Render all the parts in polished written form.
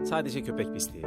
Sadece köpek pisliği.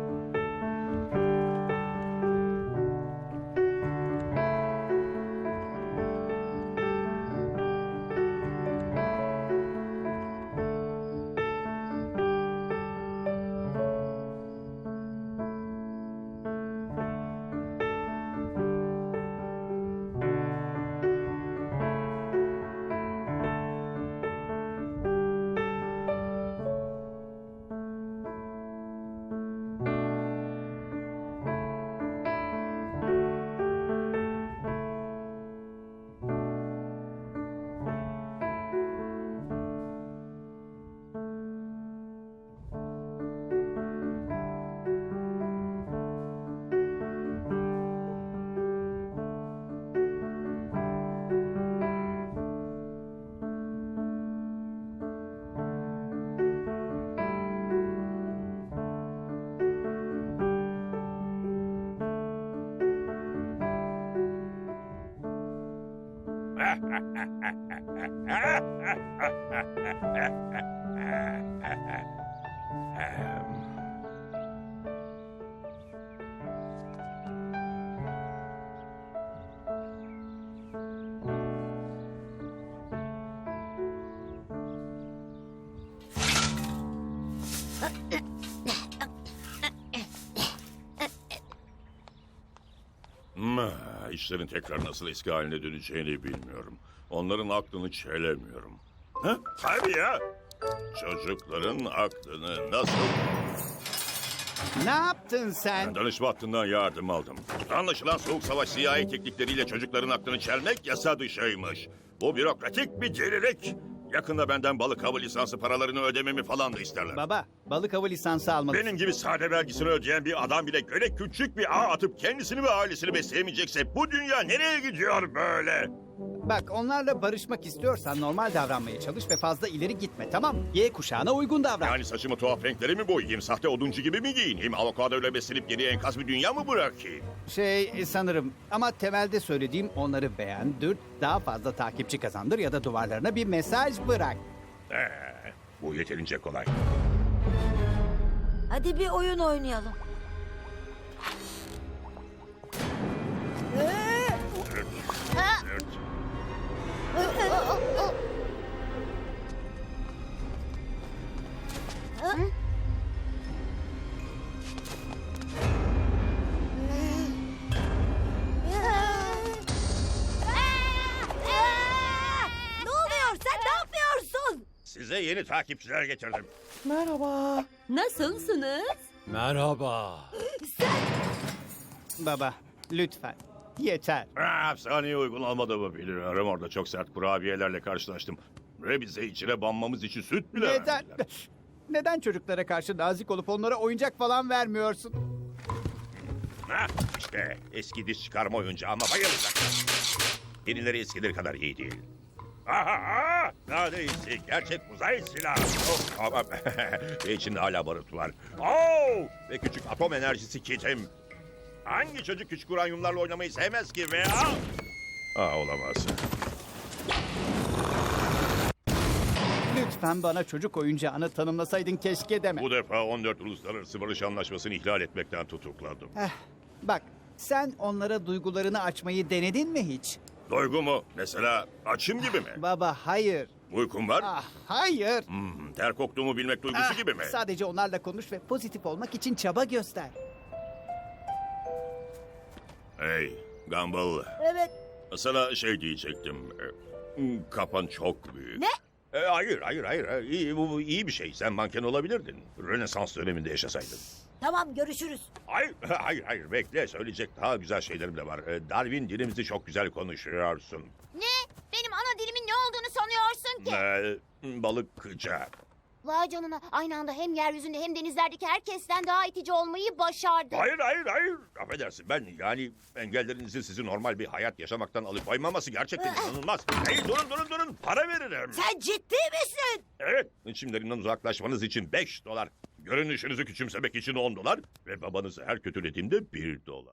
İşlerin tekrar nasıl eski haline döneceğini bilmiyorum. Onların aklını çelemiyorum. Ha? Tabii ya. Çocukların aklını nasıl... Ne yaptın sen? Danışma hattından yardım aldım. Anlaşılan Soğuk Savaş CIA teknikleriyle çocukların aklını çelmek yasa dışıymış. Bu bürokratik bir delilik. Yakında benden balık avı lisansı paralarını ödememi falan da isterler. Baba, balık avı lisansı almalısın. Benim gibi sade vergisini ödeyen bir adam bile göle küçük bir ağ atıp kendisini ve ailesini besleyemeyecekse bu dünya nereye gidiyor böyle? Bak, onlarla barışmak istiyorsan normal davranmaya çalış ve fazla ileri gitme, tamam mı? Y kuşağına uygun davran. Yani saçımı tuhaf renklere mi boyayayım, sahte oduncu gibi mi giyineyim, avokadoyla beslenip geriye enkaz bir dünya mı bırakayım? Sanırım ama temelde söylediğim onları beğendir, daha fazla takipçi kazandır ya da duvarlarına bir mesaj bırak. Bu yeterince kolay. Hadi bir oyun oynayalım. Ne oluyor? Sen ne yapıyorsun? Size yeni takipçiler getirdim. Nasılsınız? Merhaba. Baba, lütfen, yeter. Hapishaneye uygun olmadığımı biliyorum. Orada çok sert kurabiyelerle karşılaştım. Ve bize içine banmamız için süt bile Neden? verdiler. Neden çocuklara karşı nazik olup onlara oyuncak falan vermiyorsun? İşte eski diş çıkarma oyuncağı ama bayılacaklar. Yenileri eskileri kadar iyi değil. Aha! Daha da iyisi. Gerçek uzay silahı. Oh, ama ve içinde hala barut var. Oh! Ve küçük atom enerjisi kitim. Hangi çocuk küçük uranyumlarla oynamayı sevmez ki veya... olamaz. Lütfen bana çocuk oyuncağını tanımlasaydın keşke deme. Bu defa 14 Uluslararası Barış Anlaşması'nı ihlal etmekten tutukladım. Bak, sen onlara duygularını açmayı denedin mi hiç? Duygu mu? Mesela açım gibi mi? Baba, hayır. Uykum var. Hayır. Ter koktuğumu bilmek duygusu gibi mi? Sadece onlarla konuş ve pozitif olmak için çaba göster. Hey, Gumball. Evet. Sana şey diyecektim. Kafan çok büyük. Ne? Hayır. Bu iyi bir şey. Sen manken olabilirdin. Rönesans döneminde yaşasaydın. Tamam, görüşürüz. Hayır. Bekle. Söyleyecek daha güzel şeylerim de var. Darwin, dilimizi çok güzel konuşuyorsun. Ne? Benim ana dilimin ne olduğunu sanıyorsun ki? Balıkçı. Vay canına, aynı anda hem yeryüzünde hem denizlerdeki herkesten daha itici olmayı başardı. Hayır. Affedersin, ben yani engellerinizin sizi normal bir hayat yaşamaktan alıkoymaması gerçekten inanılmaz. Hey, durun. Para veririm. Sen ciddi misin? Evet, çimlerinden uzaklaşmanız için $5. Görünüşünüzü küçümsemek için $10 ve babanızı her kötülediğimde $1.